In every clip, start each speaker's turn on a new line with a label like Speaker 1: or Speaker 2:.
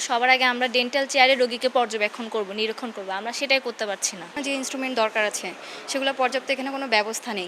Speaker 1: সবার আগে আমরা ডেন্টাল চেয়ারে রোগীকে পর্যবেক্ষণ করব, নিরীক্ষণ করব, আমরা সেটাই করতে পারছি না।
Speaker 2: যে ইনস্ট্রুমেন্ট দরকার আছে সেগুলো পর্যাপ্ত এখানে কোনো ব্যবস্থা নেই।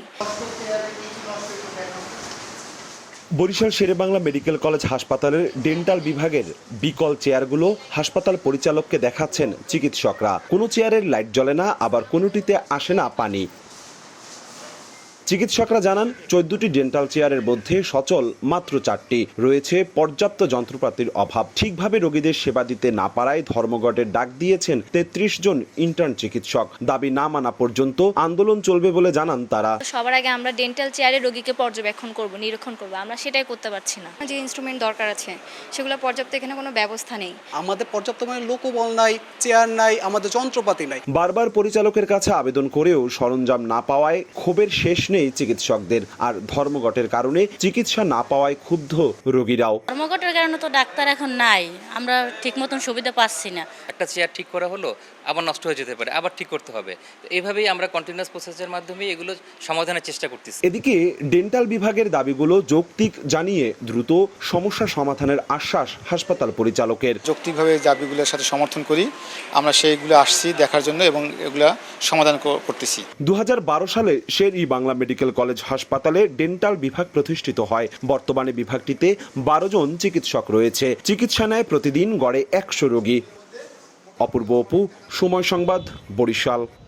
Speaker 3: বরিশাল শেরেবাংলা মেডিকেল কলেজ হাসপাতালের ডেন্টাল বিভাগের বিকল চেয়ারগুলো হাসপাতাল পরিচালককে দেখাচ্ছেন চিকিৎসকরা। কোনো চেয়ারের লাইট জ্বলে না, আবার কোনোটিতে আসে না পানি। চিকিৎসকরা জানান 14টি ডেন্টাল চেয়ারের মধ্যে সচল মাত্র 4টি। রয়েছে পর্যাপ্ত যন্ত্রপাতির অভাব। ঠিকভাবে রোগীদের সেবা দিতে না পারায় ধর্মঘটের ডাক দিয়েছেন 33 জন ইন্টার্ন চিকিৎসক। দাবি না মানা পর্যন্ত আন্দোলন চলবে বলে জানান তারা।
Speaker 1: সবার আগে আমরা ডেন্টাল চেয়ারে রোগীকে পর্যবেক্ষণ করব, নিরীক্ষণ করব, আমরা সেটাই করতে পারছি না।
Speaker 2: যে ইনস্ট্রুমেন্ট দরকার আছে সেগুলো পর্যাপ্ত এখানে কোনো ব্যবস্থা নেই।
Speaker 4: আমাদের পর্যাপ্ত মানে লোকবল নাই, চেয়ার নাই, আমাদের যন্ত্রপাতি নাই।
Speaker 3: বারবার পরিচালকের কাছে আবেদন করেও সরঞ্জাম না পাওয়ায় ক্ষোভের শেষ নেই চিকিৎসকদের। আর ধর্মঘটের কারণে চিকিৎসা না পাওয়ায় ক্ষুব্ধ রোগীরাও।
Speaker 5: ধর্মঘটের কারণে তো ডাক্তার এখন নাই, আমরা ঠিক মতন সুবিধা পাচ্ছি না।
Speaker 6: একটা চেয়ার ঠিক করা হলো, আবার নষ্ট হয়ে যেতে পারে, আবার ঠিক করতে হবে। তো এইভাবেই আমরা কন্টিনিউয়াস প্রসেসের মাধ্যমে এগুলো সমাধানের চেষ্টা করতেছি।
Speaker 3: এদিকে ডেন্টাল বিভাগের দাবিগুলো যৌক্তিক জানিয়ে দ্রুত সমস্যা সমাধানের আশ্বাস হাসপাতাল পরিচালকের।
Speaker 7: যৌক্তিকভাবে দাবিগুলোর সাথে সমর্থন করি, আমরা সেইগুলো আসছি দেখার জন্য এবং এগুলা সমাধান করতেছি।
Speaker 3: 2012 সালে শের-ই-বাংলা মেডিকেল কলেজ হাসপাতালে ডেন্টাল বিভাগ প্রতিষ্ঠিত হয়। বর্তমানে বিভাগটিতে 12 জন চিকিৎসক রয়েছে। চিকিৎসা নেয় প্রতিদিন গড়ে 100 রোগী। অপূর্ব অপু, সময় সংবাদ, বরিশাল।